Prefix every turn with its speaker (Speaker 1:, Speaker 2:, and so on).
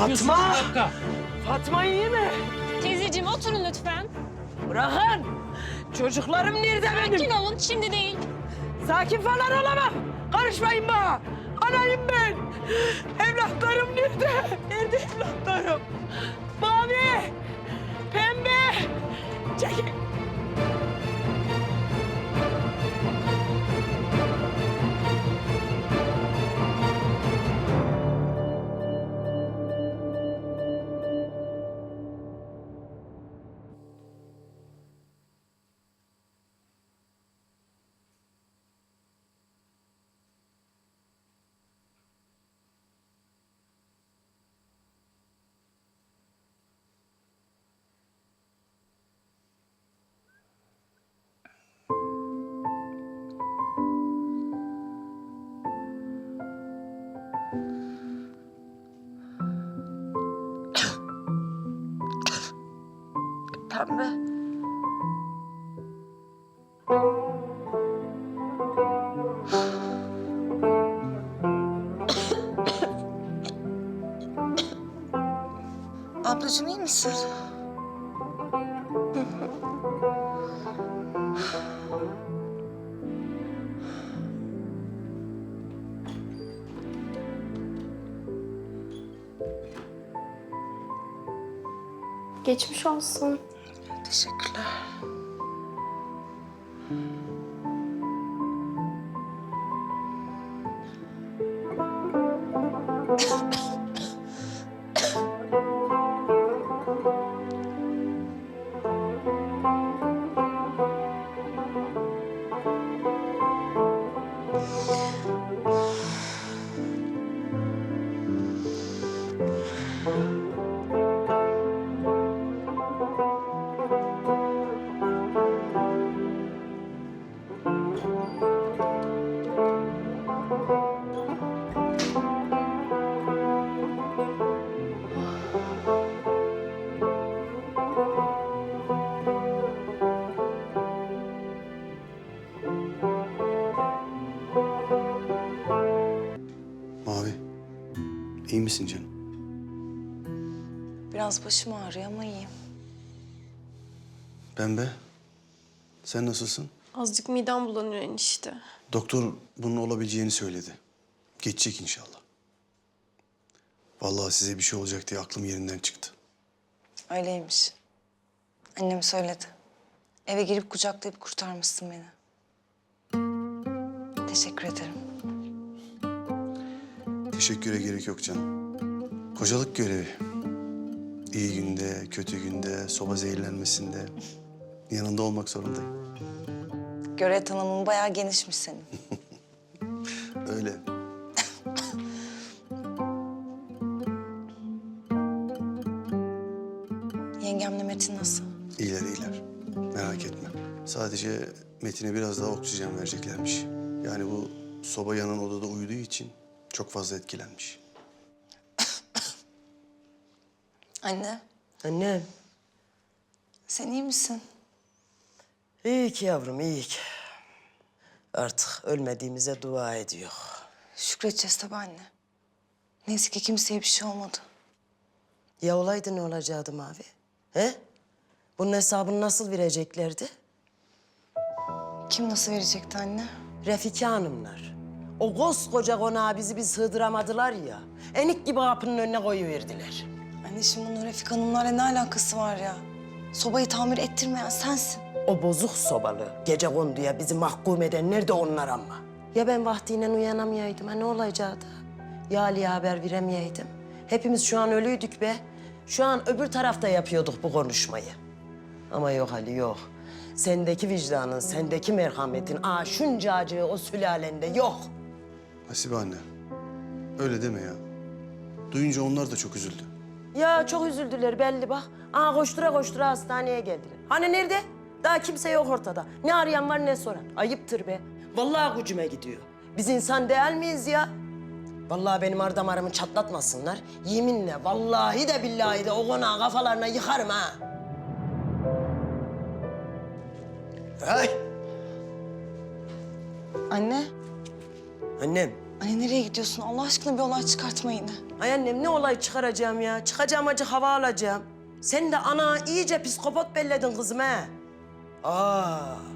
Speaker 1: yapıyorsunuz
Speaker 2: Fatma!
Speaker 1: bir dakika?
Speaker 2: Fatma iyi mi?
Speaker 3: Teyzeciğim oturun lütfen.
Speaker 2: Bırakın. Çocuklarım nerede benim?
Speaker 3: Sakin olun, şimdi değil.
Speaker 2: Sakin falan olamam. Karışmayın bana. Anayım ben. Evlatlarım nerede? Nerede evlatlarım? Mavi, pembe. Çekil. Pembe.
Speaker 4: Ablacığım iyi misin?
Speaker 5: Geçmiş olsun.
Speaker 4: Teşekkürler.
Speaker 6: Mavi, iyi misin canım?
Speaker 4: Biraz başım ağrıyor ama iyiyim.
Speaker 6: Pembe, sen nasılsın?
Speaker 5: Azıcık midem bulanıyor enişte.
Speaker 6: Doktor bunun olabileceğini söyledi. Geçecek inşallah. Vallahi size bir şey olacak diye aklım yerinden çıktı.
Speaker 4: Öyleymiş. Annem söyledi. Eve girip kucaklayıp kurtarmışsın beni. Teşekkür ederim.
Speaker 6: Teşekküre gerek yok canım. Kocalık görevi. İyi günde, kötü günde, soba zehirlenmesinde yanında olmak zorundayım.
Speaker 4: Görev tanımın bayağı genişmiş senin.
Speaker 6: Öyle.
Speaker 4: Yengemle Metin nasıl?
Speaker 6: İyiler iyiler. Merak etme. Sadece Metin'e biraz daha oksijen vereceklermiş. Yani bu soba yanan odada uyuduğu için çok fazla etkilenmiş.
Speaker 4: Anne,
Speaker 7: Annem,
Speaker 4: sen iyi misin?
Speaker 7: iyi ki yavrum, iyi ki. Artık ölmediğimize dua ediyor.
Speaker 4: Şükredeceğiz tabii anne. Neyse ki kimseye bir şey olmadı.
Speaker 7: Ya olaydı ne olacaktı Mavi? He? Bunun hesabını nasıl vereceklerdi?
Speaker 4: Kim nasıl verecekti anne?
Speaker 7: Refika Hanımlar. O koskoca konağı bizi bir sığdıramadılar ya. Enik gibi kapının önüne koyuverdiler.
Speaker 4: Anne şimdi bunun Refik Hanımlarla ne alakası var ya? Sobayı tamir ettirmeyen sensin.
Speaker 7: O bozuk sobalı, gecekonduya bizi mahkum edenler de onlar ama. Ya ben vaktiyle uyanamayaydım, ha ne olacaktı? Ya Ali'ye haber veremeyeydim. Hepimiz şu an ölüydük be. Şu an öbür tarafta yapıyorduk bu konuşmayı. Ama yok Ali, yok. Sendeki vicdanın, sendeki merhametin, şunca acı o sülalende yok.
Speaker 6: Hasibe anne, öyle deme ya. Duyunca onlar da çok üzüldü.
Speaker 7: Ya çok üzüldüler belli bak. Koştura koştura hastaneye geldiler. Hani nerede? Daha kimse yok ortada. Ne arayan var ne soran. Ayıptır be. Vallahi gücüme gidiyor. Biz insan değil miyiz ya? Vallahi benim ardamarımı çatlatmasınlar. Yeminle vallahi de billahi de o konağı kafalarına yıkarım ha.
Speaker 6: Ay!
Speaker 4: Anne,
Speaker 7: Annem
Speaker 4: Anne nereye gidiyorsun? Allah aşkına bir olay çıkartma yine.
Speaker 7: Ay annem ne olay çıkaracağım ya? Çıkacağım acı hava alacağım. Sen de ana iyice psikopat belledin kızım ha. Aa.